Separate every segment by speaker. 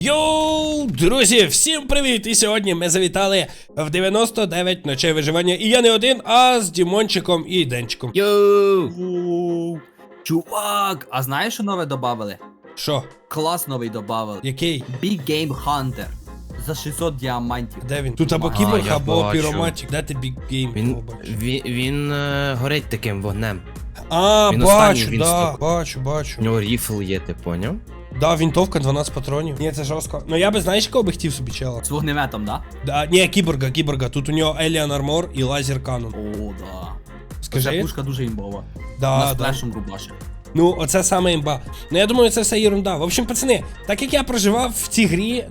Speaker 1: Йоу, друзі, всім привіт! І сьогодні ми завітали в 99 ночей виживання. І я не один, а з Дімончиком і Денчиком.
Speaker 2: Йоу! Чувак, а знаєш, що нове добавили?
Speaker 1: Що?
Speaker 2: Клас новий добавили.
Speaker 1: Який?
Speaker 2: Big Game Hunter. За 600 діамантів.
Speaker 1: Де він? Тут або
Speaker 2: А,
Speaker 1: кіборг,
Speaker 3: я
Speaker 1: або
Speaker 3: бачу.
Speaker 1: піроматик. Де ти Big Game?
Speaker 3: Він,
Speaker 1: О, бачу.
Speaker 3: він горить таким вогнем.
Speaker 1: А,
Speaker 3: він
Speaker 1: бачу,
Speaker 3: останній, він
Speaker 1: да,
Speaker 3: стоп.
Speaker 1: бачу.
Speaker 3: У нього ріфл є, ти поняв?
Speaker 1: Да, вінтовка, 12 патронів. Ні, це жорстко. Ну я би, знаєш, кого би хотів собі чела?
Speaker 2: З вогнеметом, да?
Speaker 1: Да, ні, кіборга. Тут у нього Alien Armor і лазер канон.
Speaker 2: О, да. Ця
Speaker 1: Скажи?
Speaker 2: пушка дуже імбова.
Speaker 1: Да,
Speaker 2: Вона з
Speaker 1: да.
Speaker 2: флешем рубаше.
Speaker 1: Ну, оце саме імба. Ну, я думаю, це все ерунда. В общем, пацани, так як я проживав в цій грі,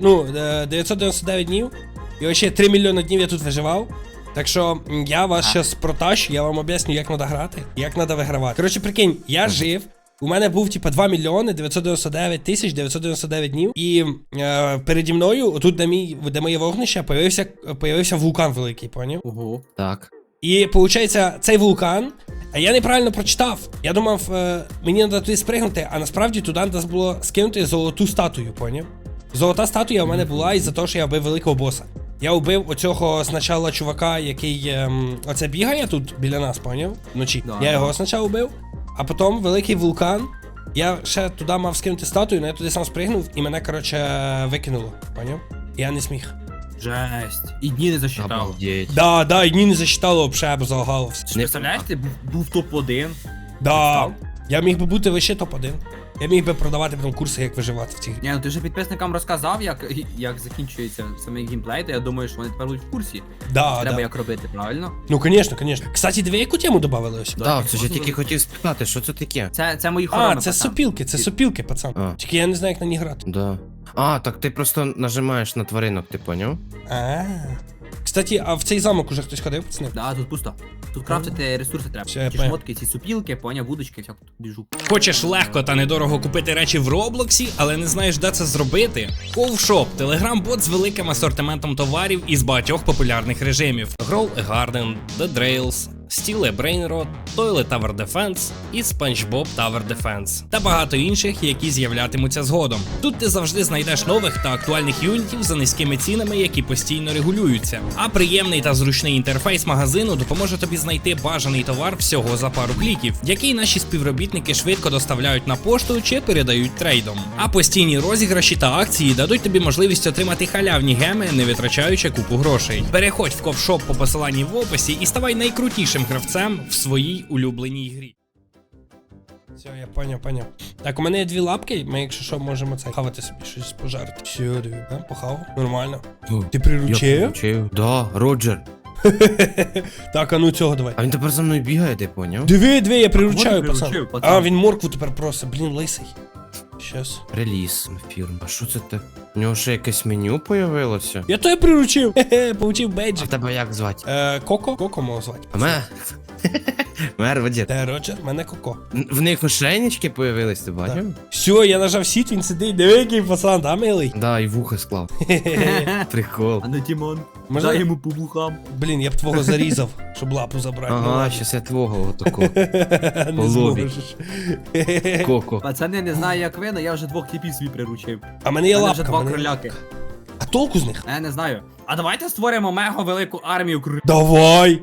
Speaker 1: 999 днів, і ще 3 мільйони днів я тут виживав. Так що я вас зараз протащу, я вам об'ясню, як треба грати, як треба вигравати. Коротше, прикинь, я жив, у мене був, 2 мільйони 999 тисяч 999 днів, і переді мною, тут, де моє вогнище, появився вулкан великий, поняв?
Speaker 2: Ого.
Speaker 3: Так.
Speaker 1: І, виходить, цей вулкан, а я неправильно прочитав. Я думав, мені треба туди спригнути, а насправді туди треба було скинути золоту статую, поняв? Золота статуя у мене була із-за того, що я вбив великого боса. Я вбив оцього спочатку чувака, який оце бігає тут біля нас, поняв? Вночі.
Speaker 2: Да,
Speaker 1: Я
Speaker 2: да.
Speaker 1: його спочатку вбив, а потім великий вулкан. Я ще туди мав скинути статую, але я туди сам спригнув і мене, коротше, викинуло, поняв? Я не зміг.
Speaker 2: Жесть. І дні не засчитав.
Speaker 3: Обалдеть.
Speaker 1: Да, і дні не засчитало, взагалі, б залагало все.
Speaker 2: Ти представляєш, ти був топ-1.
Speaker 1: Да,
Speaker 2: Став?
Speaker 1: я міг би бути вище топ-1. Я міг би продавати потім курси, як виживати в цій грі.
Speaker 2: Ні, ну ти вже підписникам розказав, як закінчується самий геймплей, то я думаю, що вони тепер будуть в курсі.
Speaker 1: Да,
Speaker 2: Треба
Speaker 1: да.
Speaker 2: як робити, правильно?
Speaker 1: Ну, звісно. Кстати, диви, яку тему додавали ось?
Speaker 3: Так, це ж я тільки хотів спитати, що це таке?
Speaker 2: Це мої хороми,
Speaker 1: А, це
Speaker 2: пацан.
Speaker 1: сопілки, пацан.
Speaker 3: А.
Speaker 1: Тільки я не знаю, як на них грати.
Speaker 3: Да. А, так ти просто нажимаєш на тваринок, ти поняв?
Speaker 1: Кстати, а в цей замок уже хтось ходив, пацани?
Speaker 2: Да, тут пусто. Тут крафтити ресурси треба.
Speaker 1: Все, я
Speaker 2: Ці
Speaker 1: понял.
Speaker 2: шмотки, ці супілки, поняв, вудочки, всяку біжу.
Speaker 4: Хочеш легко та недорого купити речі в Роблоксі, але не знаєш, де це зробити? Ковшоп – телеграм-бот з великим асортиментом товарів із багатьох популярних режимів: Grow a Garden, The Drails, Steel a Brain Rot, Toilet Tower Defense і SpongeBob Tower Defense. Та багато інших, які з'являтимуться згодом. Тут ти завжди знайдеш нових та актуальних юнітів за низькими цінами, які постійно регулюються. А приємний та зручний інтерфейс магазину допоможе тобі знайти бажаний товар всього за пару кліків, який наші співробітники швидко доставляють на пошту чи передають трейдом. А постійні розіграші та акції дадуть тобі можливість отримати халявні геми, не витрачаючи купу грошей. Переходь в ковшоп по посиланні в описі і ставай найкрутішим гравцем в своїй улюбленій грі.
Speaker 1: Все, я поняв. Так, у мене є 2 лапки, ми, якщо що, можемо це хавати собі щось пожарити. Все, диви, да? Похав. Нормально. Ти приручив?
Speaker 3: Да, Роджер.
Speaker 1: Так, а ну цього давай.
Speaker 3: А він тепер за мною бігає, ти поняв?
Speaker 1: Диви, я приручаю,
Speaker 2: Приручив,
Speaker 1: пацан.
Speaker 2: пацан.
Speaker 1: А, він моркву тепер просить, блін, лисий. Щас.
Speaker 3: Реліз фірм. А що це те? У нього ще якесь меню появилося?
Speaker 1: Я тебе приручив. Хе-хе, получив
Speaker 3: А
Speaker 1: бейджик.
Speaker 3: тебе як звати?
Speaker 1: Коко? Коко мого звати.
Speaker 3: А мене? Мер, Роджер.
Speaker 1: Де Роджер? Мене Коко.
Speaker 3: В них ошейнички появились, ти бачив?
Speaker 1: Все, я нажав сіт, він сидить. Диви, який пацан, да, милий?
Speaker 3: Да, і вуха склав. Прикол.
Speaker 2: А не Тімон.
Speaker 1: Можна-
Speaker 2: Дай йому по вухам.
Speaker 1: Блін, я б твого зарізав, щоб лапу забрати. Ну,
Speaker 3: Ага,
Speaker 1: ладно.
Speaker 3: щас я твого отако.
Speaker 1: Не
Speaker 3: по лобі.
Speaker 1: зможеш.
Speaker 3: Коко.
Speaker 2: Пацани, не знаю як ви, але я вже 2 типів свій приручив.
Speaker 1: А мене є
Speaker 2: У мене вже
Speaker 1: лапка.
Speaker 2: 2
Speaker 1: мене-
Speaker 2: кроляки.
Speaker 1: А толку з них?
Speaker 2: Я не знаю. А давайте створимо мега велику армію кроляків.
Speaker 1: Давай!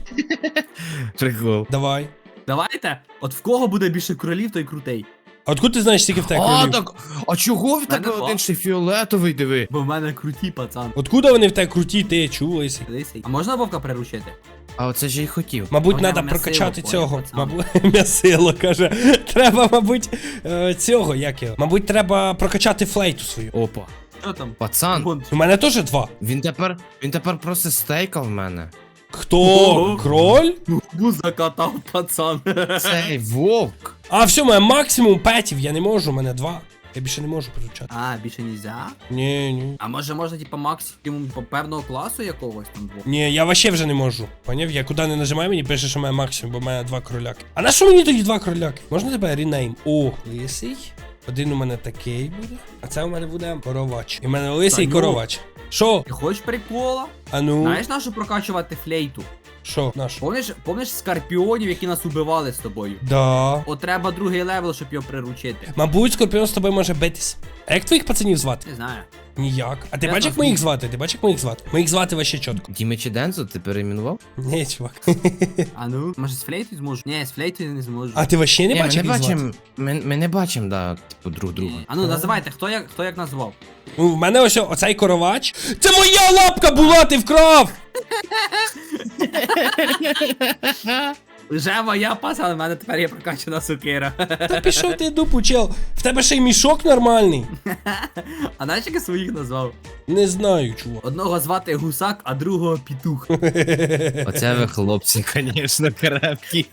Speaker 3: Прикол.
Speaker 1: Давай.
Speaker 2: Давайте. От в кого буде більше кролів, той крутий.
Speaker 1: А откуда ти знаєш, скільки в тебе
Speaker 3: А,
Speaker 1: кролів?
Speaker 3: так. А чого в тебе
Speaker 2: Мене
Speaker 3: один ще фіолетовий, диви?
Speaker 2: Бо в мене круті, пацан.
Speaker 1: Откуда вони в тебе круті, ти чув, лисий?
Speaker 2: Лисий. А можна вовка приручити?
Speaker 3: А оце ж я й хотів.
Speaker 1: Мабуть,
Speaker 2: Вона
Speaker 1: треба
Speaker 2: м'ясило,
Speaker 1: прокачати
Speaker 2: поняв,
Speaker 1: цього.
Speaker 2: пацан.
Speaker 1: Мабуть, м'ясило, каже. Треба, мабуть, цього, як його. Мабуть, треба прокачати флейту свою.
Speaker 3: Опа.
Speaker 2: Що там?
Speaker 3: Пацан,
Speaker 2: Вон.
Speaker 1: У мене теж 2.
Speaker 3: він тепер просто стейкав в мене.
Speaker 1: Хто?
Speaker 2: Ого.
Speaker 1: Кроль?
Speaker 2: Губу закатав, пацан.
Speaker 3: Цей вовк.
Speaker 1: А, все, у мене максимум петів, я не можу, у мене 2. Я більше не можу приручати.
Speaker 2: А, більше нельзя?
Speaker 1: Ні.
Speaker 2: А може можна, типа, максимум по певного класу якогось там двох?
Speaker 1: Ні, я вообще вже не можу. Поняв? Я куди не нажимаю, мені пише, що в мене максимум, бо в мене 2 кроляки. А на що мені тоді 2 кроляки? Можна тебе ренейм? О, лисий. Один у мене такий буде. А це у мене буде коровач. І в мене лисий
Speaker 2: Та ну.
Speaker 1: коровач. Що?
Speaker 2: Ти хочеш прикола?
Speaker 1: А ну.
Speaker 2: Знаєш, на що прокачувати флейту?
Speaker 1: Що, наш?
Speaker 2: Помниш скорпіонів, які нас убивали з тобою?
Speaker 1: Да.
Speaker 2: От треба другий левел, щоб його приручити.
Speaker 1: Мабуть, Скорпіон з тобою може битись. А як твоїх пацанів звати?
Speaker 2: Не знаю.
Speaker 1: Ніяк. А ти
Speaker 2: Я
Speaker 1: бачиш, як
Speaker 2: знаю.
Speaker 1: ми їх звати? Ти бачиш, як ми їх звати? Ми їх звати вообще чітко.
Speaker 3: Дімичі Дензо, ти перейменував?
Speaker 1: Ні, чувак.
Speaker 2: А ну? Може з флейтою зможу? Ні, з флейтою не зможу.
Speaker 1: А ти вообще не
Speaker 3: Ні,
Speaker 1: бачиш,
Speaker 3: ми
Speaker 1: як
Speaker 3: не
Speaker 1: їх звати?
Speaker 3: бачимо, ми не бачимо, да, типу, друг друга.
Speaker 2: А ну, називайте, хто як назвав?
Speaker 1: Ну, в мене ось оцей коровач. Це моя лапка була, ти вкрав!
Speaker 2: Вже моя пацан, в мене тепер є прокачана сокира.
Speaker 1: Та пішов ти дупу, чел. В тебе ще й мішок нормальний.
Speaker 2: А знаєш, як я своїх назвав?
Speaker 1: Не знаю, чувак.
Speaker 2: Одного звати гусак, а другого петух.
Speaker 3: Оце ви хлопці, звісно, крепкі.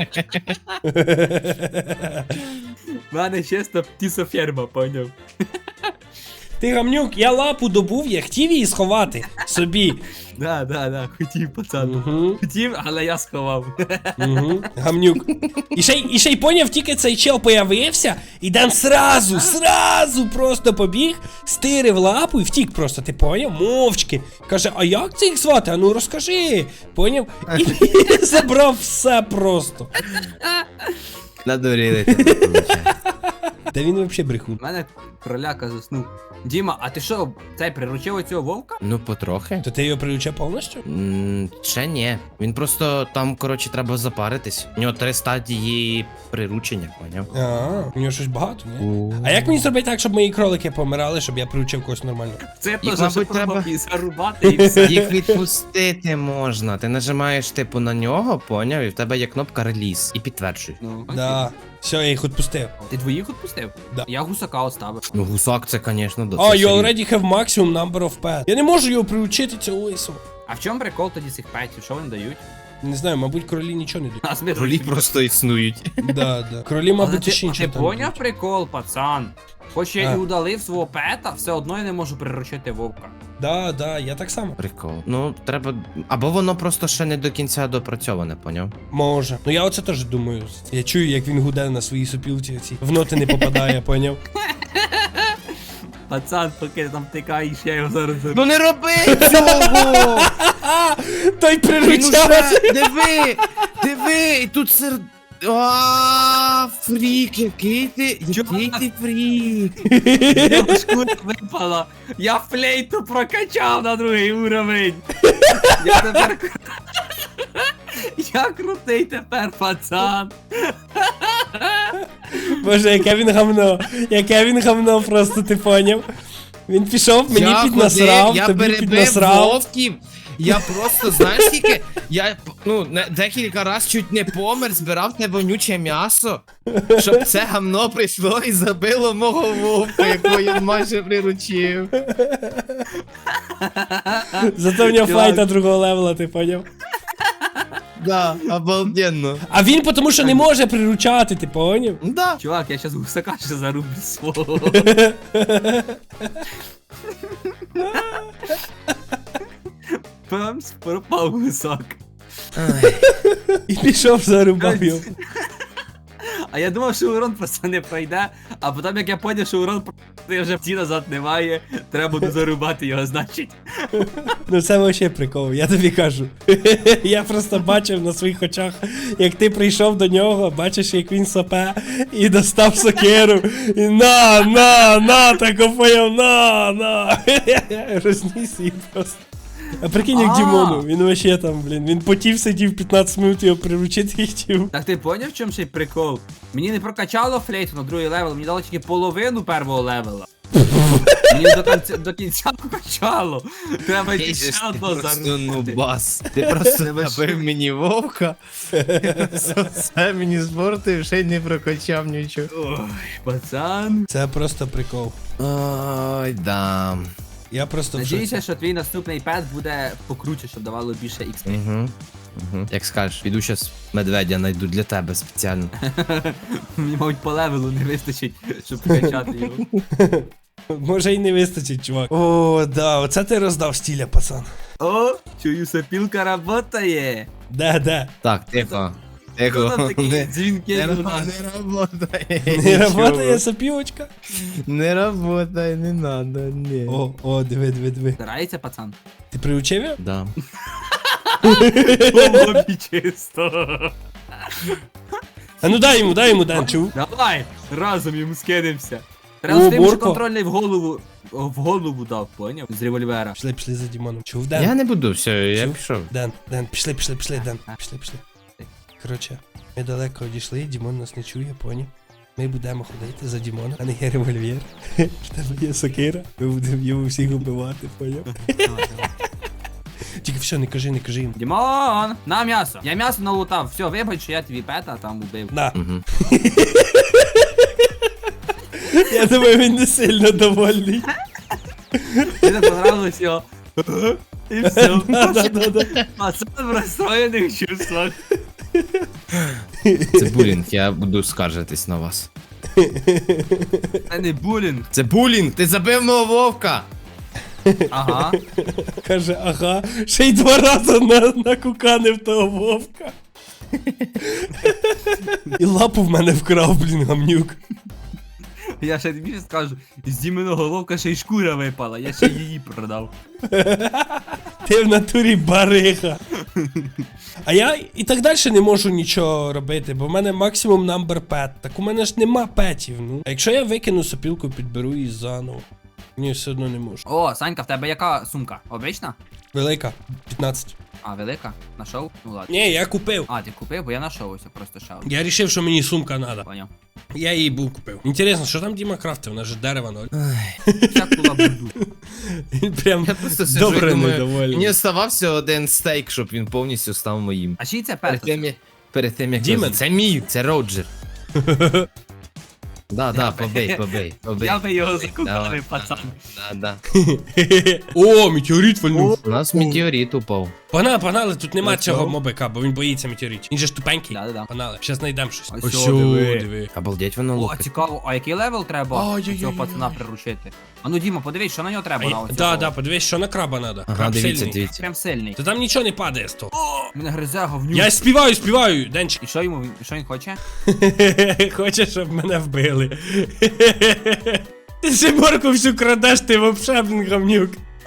Speaker 2: В мене чисто птісоферма, поняв?
Speaker 1: Ти гамнюк, я лапу добув, я хотів її сховати собі.
Speaker 2: Да, хотів, пацан.
Speaker 1: Угу.
Speaker 2: Хотів, але я сховав.
Speaker 1: Угу. Гамнюк. І ще й поняв, тільки цей чел появився, і Дан сразу просто побіг, стирив лапу і втік просто, ти поняв? Мовчки. Каже, а як це їх звати? А ну розкажи. Поняв? І забрав все просто.
Speaker 3: Надурили тебе, виходить.
Speaker 1: Та він взагалі брехун.
Speaker 2: У мене кроляка заснув. Діма, а ти що, цей приручив оцього вовка?
Speaker 3: Ну, потрохи.
Speaker 1: То ти його приручав повністю?
Speaker 3: Ще ні. Він просто там, коротше, треба запаритись. У нього 3 стадії приручення, поняв?
Speaker 1: А, у нього щось багато, ні? А як мені зробити так, щоб мої кролики помирали, щоб я приручив когось нормально?
Speaker 2: Це
Speaker 3: Їх,
Speaker 2: теж
Speaker 3: мабуть,
Speaker 2: щоб
Speaker 3: треба-
Speaker 2: і зарубати і все.
Speaker 3: Їх відпустити можна. Ти нажимаєш, типу, на нього, поняв, і в тебе є кнопка реліз. І підтверджуй.
Speaker 2: Ну, окей.
Speaker 1: Да. Все, я їх відпустив.
Speaker 2: Ти двоїх відпустив?
Speaker 1: Да.
Speaker 2: Я гусака оставив.
Speaker 3: Ну, гусак це, звісно, до
Speaker 1: Oh, you already have maximum number of pets. Я не можу його приучити цього лису.
Speaker 2: А в чому прикол тоді цих петів? Що вони дають?
Speaker 1: Не знаю, мабуть, кролі нічого не дають.
Speaker 2: А смерть.
Speaker 3: Кролі просто існують.
Speaker 1: Да. Кролі, мабуть, ще
Speaker 2: А
Speaker 1: нічого
Speaker 2: ти
Speaker 1: там не
Speaker 2: поняв
Speaker 1: дають.
Speaker 2: прикол, пацан? Хоч я
Speaker 1: А.
Speaker 2: і удалив свого пета, все одно я не можу приручити вовка.
Speaker 1: Да, я так само.
Speaker 3: Прикол. Ну, треба. Або воно просто ще не до кінця допрацьоване, поняв?
Speaker 1: Може. Ну я оце теж думаю. Я чую, як він гуде на своїй сопілці ці. В ноти не попадає, поняв?
Speaker 2: Пацан, поки ти там тикаєш, я його зараз заберу.
Speaker 3: Ну не роби цього!
Speaker 1: Той
Speaker 3: Він
Speaker 1: приручав.
Speaker 3: уже... Диви, і тут фрік, який ти фрік.
Speaker 2: Я шкура випала. Я флейту прокачав на другий уровень. Я тепер... Я крутий тепер, пацан.
Speaker 1: Боже, яке він гамно просто, ти поняв? Він пішов, мені піднасрав,
Speaker 3: я
Speaker 1: тобі
Speaker 3: перебив
Speaker 1: піднасрав.
Speaker 3: вовків. Я просто, знаєш скільки, я, декілька раз чуть не помер, збирав те вонюче м'ясо, щоб це гамно прийшло і забило мого вовка, якого я майже приручив.
Speaker 1: Зато в нього
Speaker 2: Чувак.
Speaker 1: флайта другого левела, ти поняв?
Speaker 3: Да, обалденно.
Speaker 1: А він тому що не може приручати, ти поняв?
Speaker 3: Да.
Speaker 2: Чувак, я щас гусака ще зарублю свого. Памс, пропав гусак.
Speaker 1: І пішов зарубав його.
Speaker 2: А я думав, що урон просто не пройде, а потім як я поняв, що урон просто вже ті назад немає, треба буде зарубати його, значить.
Speaker 1: Ну це вообще прикол, я тобі кажу. Я просто бачив на своїх очах, як ти прийшов до нього, бачиш, як він сопе, і достав сокиру, і на, так поняв, на. Розніс її просто. А прикинь, як
Speaker 2: А.
Speaker 1: Дімону, він вообще там, блін, він потів сидів 15 минут його приручити хотів.
Speaker 2: Так ти поняв, в чому ще й прикол? Мені не прокачало флейту на другий левел, мені дало тільки половину першого левела. Мені до кінця прокачало. Треба йти ще одно
Speaker 3: Просто
Speaker 2: зарубати.
Speaker 3: нубас. Ти просто набив мені вовка. Все мені збортив, ще й не прокачав нічого.
Speaker 2: Ой, пацан.
Speaker 1: Це просто прикол.
Speaker 3: Ой, да.
Speaker 1: Я просто в
Speaker 2: Надіюся,
Speaker 1: шоці.
Speaker 2: що твій наступний пет буде покруче, щоб давало більше XP.
Speaker 3: Угу. Як скажеш, піду щас медведя найду для тебе спеціально.
Speaker 2: Мені, мабуть, по левелу не вистачить, щоб прокачати його.
Speaker 1: Може й не вистачить, чувак. О, да, оце ти роздав стіля, пацан.
Speaker 2: О, чую, сопілка работає.
Speaker 1: Да.
Speaker 3: Так, тихо.
Speaker 2: Хто там
Speaker 3: Тихо.
Speaker 2: такі дзвінки
Speaker 3: Не
Speaker 2: у нас?
Speaker 3: работає.
Speaker 1: Не
Speaker 3: нічого.
Speaker 1: работає сопілочка?
Speaker 3: Не работає, не надо, ні.
Speaker 1: О, диви.
Speaker 2: Старається, пацан.
Speaker 1: Ти приучив його?
Speaker 3: Да.
Speaker 2: Лобі чисто.
Speaker 1: А ну дай йому, Ден, чув?
Speaker 2: Давай, разом йому скинемося.
Speaker 1: О,
Speaker 2: Треба з тим, що
Speaker 1: Борко.
Speaker 2: контрольний в голову дав, поняв? З револьвера.
Speaker 1: Пішли за Дімоном. Чув, Ден?
Speaker 3: Я не буду, все, я
Speaker 1: Чув?
Speaker 3: пішов.
Speaker 1: Ден, пішли, Ден. Пішли. Коротше, ми далеко одійшли, Дімон нас не чує, поняв? Ми будемо ходити за Дімоном, а не є револьвер. В тебе є сокира, ми будемо його всіх убивати, поняв? Тільки все, не кажи їм.
Speaker 2: Дімон, на м'ясо. Я м'ясо налутав. Все, вибач, що я твій пета там убив.
Speaker 1: На.
Speaker 3: Мгм.
Speaker 1: Я думаю, він не сильно довольний.
Speaker 2: Мені понравилось його. І все.
Speaker 1: Да.
Speaker 2: Пацан в розстроєних чувствах.
Speaker 3: Це булінг, я буду скаржитись на вас.
Speaker 2: Це не булінг.
Speaker 3: Це булінг, ти забив мого вовка!
Speaker 2: Ага.
Speaker 1: Каже, ага, ще й 2 рази накуканив того вовка. І лапу в мене вкрав, блін, гамнюк.
Speaker 2: Я ще більше скажу, з Діменого ловка ще й шкура випала, я ще її продав.
Speaker 1: Ти в натурі барига. А я і так далі не можу нічого робити, бо в мене максимум number pet. Так у мене ж нема петів, ну. А якщо я викину сопілку, підберу її заново. Ні, все одно не можу.
Speaker 2: О, Санька, в тебе яка сумка? Обична?
Speaker 1: Велика, 15.
Speaker 2: А, велика? Нашов? Ну ладно.
Speaker 1: Ні, я купив.
Speaker 2: А, ти купив, бо я нашов ось просто ще одну.
Speaker 1: Я рішив, що мені сумка треба.
Speaker 2: Поняв.
Speaker 1: Я її був купив. Інтересно, що там Діма крафтив? Вона ж дерева ноль.
Speaker 2: Всяку лабуду.
Speaker 1: Він прям
Speaker 3: Я просто сиджу
Speaker 1: добре
Speaker 3: і думаю,
Speaker 1: недовольний.
Speaker 3: мені оставався один стейк, щоб він повністю став моїм.
Speaker 2: А чий це
Speaker 3: Перед
Speaker 2: пет?
Speaker 3: перед тим як...
Speaker 1: Дімен.
Speaker 3: Це мій, це Роджер. Да, побей.
Speaker 2: Я би його
Speaker 3: Давай.
Speaker 2: закупив, пацан.
Speaker 3: Да.
Speaker 1: О, метеорит вальнув.
Speaker 3: У нас метеорит упав.
Speaker 1: Погнали, тут нема
Speaker 3: Let's
Speaker 1: цього
Speaker 3: go.
Speaker 1: мобика, бо він боїться метеоритів. Він же ж тупенький.
Speaker 2: Да.
Speaker 1: Погнали, щас знайдемо щось.
Speaker 2: Ось
Speaker 1: Ось
Speaker 2: сьо, диви.
Speaker 1: диви.
Speaker 3: Обалдеть воно
Speaker 2: О,
Speaker 3: лупить.
Speaker 2: цікаво, а який левел треба
Speaker 1: Ой-ой-ой-ой-ой.
Speaker 2: цього пацана приручити? А ну, Діма, подивись, що на нього треба на оцього.
Speaker 1: Да, подивись, що на краба надо.
Speaker 3: Ага,
Speaker 1: Краб
Speaker 3: дивіться,
Speaker 1: сильний.
Speaker 3: дивіться.
Speaker 2: Прям сильний.
Speaker 1: Та там нічого не падає з того.
Speaker 2: Мене гризе говнюк.
Speaker 1: Я співаю, Денчик.
Speaker 2: І що йому, що він хоче?
Speaker 1: Хочеш, щоб мене вбили. Ти Сиборку всю крадеш, ти вообще, блін, гамнюк.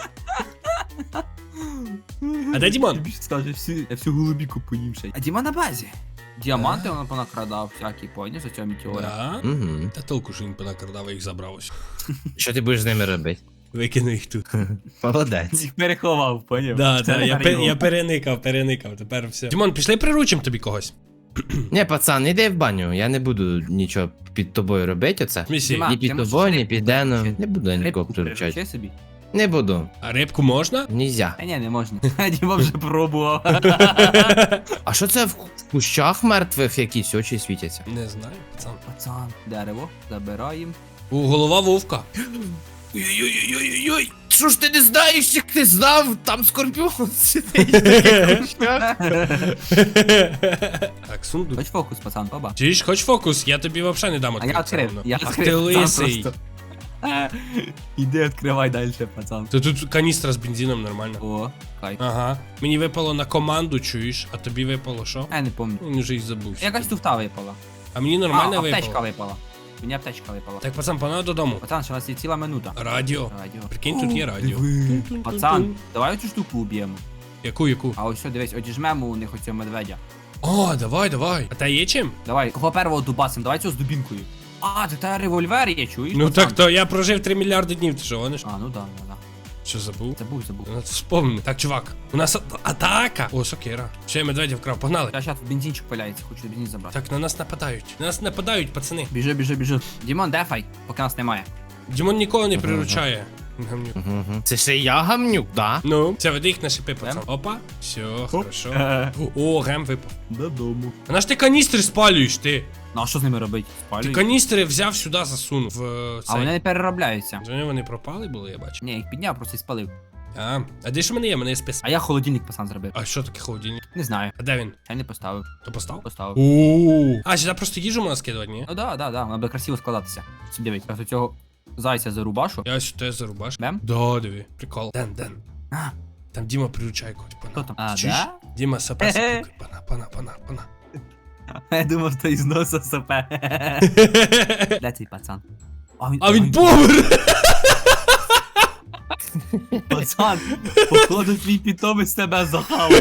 Speaker 1: А де Дімон?
Speaker 2: Тобі скаже, я всю голубіку поїв ще. А Діма на базі. Діаманти він понакрадав, всякі, поняв, за цього метеора.
Speaker 1: Да?
Speaker 3: Угу.
Speaker 1: Та толку, що він понакрадав, їх забрав ось.
Speaker 3: Що ти будеш з ними робити?
Speaker 1: Викину їх тут.
Speaker 3: Молодець.
Speaker 2: Їх переховав, поняв?
Speaker 1: Да,
Speaker 2: Це
Speaker 1: я
Speaker 2: перейом.
Speaker 1: переникав, тепер все. Дімон, пішли приручим тобі когось.
Speaker 3: Не, пацан, іди в баню, я не буду нічого під тобою робити оце.
Speaker 1: Місі.
Speaker 2: Діма,
Speaker 3: Ні
Speaker 2: ти
Speaker 3: під
Speaker 2: можеш
Speaker 3: тобою, ні
Speaker 2: рибку
Speaker 3: під Деном.
Speaker 2: приручити?
Speaker 3: Не буду я нікого
Speaker 2: Рибку
Speaker 3: приручати.
Speaker 2: приручи собі.
Speaker 3: Не буду.
Speaker 1: А рибку можна?
Speaker 3: Нельзя.
Speaker 2: Та ні, не можна. Діма вже пробував.
Speaker 3: А що це в кущах мертвих якісь очі світяться?
Speaker 1: Не знаю, пацан.
Speaker 2: Пацан, дерево, забираємо.
Speaker 1: О, голова вовка.
Speaker 3: Ой-ой-ой-ой-ой! Що ж ти не знаєш, як ти знав? Там скорпіон сидить в таких кущах.
Speaker 1: Так, сундук.
Speaker 2: Хоч фокус, пацан, оба.
Speaker 1: Чуєш, хоч фокус, я тобі взагалі не дам
Speaker 2: А я
Speaker 1: відкрити.
Speaker 2: відкрив, я
Speaker 1: Ах
Speaker 2: відкрив.
Speaker 1: ти
Speaker 2: сам
Speaker 1: лисий.
Speaker 2: просто. Іди відкривай далі, пацан.
Speaker 1: То тут каністра з бензином нормально.
Speaker 2: О, кайф.
Speaker 1: Ага. Мені випало на команду, чуєш, а тобі випало що?
Speaker 2: Я не пам'ятаю.
Speaker 1: Він вже й забувся.
Speaker 2: Якась туфта випала.
Speaker 1: А мені
Speaker 2: А,
Speaker 1: нормально
Speaker 2: аптечка
Speaker 1: випало.
Speaker 2: випала. Мені аптечка випала.
Speaker 1: Так, пацан, погнали додому.
Speaker 2: Пацан, ще у нас є ціла минута.
Speaker 1: Радіо.
Speaker 2: Радіо.
Speaker 1: Прикинь, тут є радіо.
Speaker 2: Пацан, давай оцю штуку уб'ємо.
Speaker 1: Яку?
Speaker 2: А ось що, дивись, одіжмемо у них оцього медведя.
Speaker 1: О, давай. А та є чим?
Speaker 2: Давай, кого первого дубасим, давай цього з дубінкою. А, це та револьвер є, чуєш?
Speaker 1: Ну
Speaker 2: пацан?
Speaker 1: так то я прожив 3 мільярди днів, ти що гониш?
Speaker 2: А, ну да.
Speaker 1: Що забув?
Speaker 2: Забув.
Speaker 1: Ну, вспомни. Так, чувак, у нас атака. О, сокира. Ще я медведя вкрав, погнали.
Speaker 2: Я щас бензинчик пиляється, хочу бензин забрати.
Speaker 1: Так, на нас нападають. На нас нападають, пацани.
Speaker 2: Біжи. Дімон, дефай, поки нас немає.
Speaker 1: Дімон нікого не приручає. Гамнюк.
Speaker 3: Мгм. Це ще я гамнюк, да?
Speaker 1: Ну, це веди їх на шипи, пацан. Опа. Все, хорошо. О, гем випав.
Speaker 2: Додому.
Speaker 1: А на ж ти каністри спалюєш, ти.
Speaker 2: Ну а що з ними робити?
Speaker 1: Ти
Speaker 2: Спалюй.
Speaker 1: каністри взяв сюди, засунув.
Speaker 2: А
Speaker 1: Цей.
Speaker 2: вони не переробляються.
Speaker 1: Вони пропали були, я бачу.
Speaker 2: Ні, їх підняв, просто і спалив.
Speaker 1: А де ж в мене є? В мене є спис.
Speaker 2: А я холодильник, пацан, зробив.
Speaker 1: А що таке холодильник?
Speaker 2: Не знаю.
Speaker 1: А де він?
Speaker 2: Я не поставив.
Speaker 1: То постав?
Speaker 2: Поставив.
Speaker 1: Ооо. А, сюди просто їжу можна скидувати, ні?
Speaker 2: Ну да, вона буде красиво складатися. Дивись, я цього зайця зарубашу.
Speaker 1: Я сюди зарубаш.
Speaker 2: Бем?
Speaker 1: Да, диви. Прикол. Ден.
Speaker 2: А.
Speaker 1: Там Діма приручає когось,
Speaker 2: Хто
Speaker 1: пана.
Speaker 2: там? А,
Speaker 1: Чуєш?
Speaker 2: да?
Speaker 1: Діма сапе
Speaker 2: Хе-хе.
Speaker 1: пана.
Speaker 2: Я думав, що із носа сопе. Де цей пацан?
Speaker 1: А він помер!
Speaker 2: Пацан, походу твій питомець тебе захавав.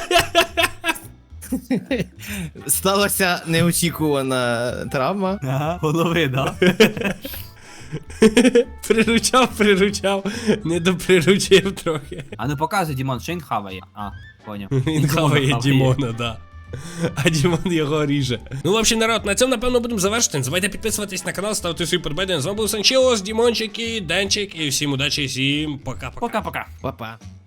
Speaker 3: Сталася неочікувана травма.
Speaker 2: Ага, голови, да?
Speaker 1: Приручав, не доприручив трохи.
Speaker 2: А ну показуй, Дімон, що він хаває. А, поняв.
Speaker 1: Він хаває Дімона, да. А Дімон його ріже. Ну, в общем, народ, на цьому, напевно, будемо завершити. Не забувайте підписуватись на канал, ставити свої подобайки. З вами був Санчіос, Дімончик і Денчик. І всім удачі, всім пока-пока.
Speaker 2: Пока-пока.
Speaker 3: Па-па.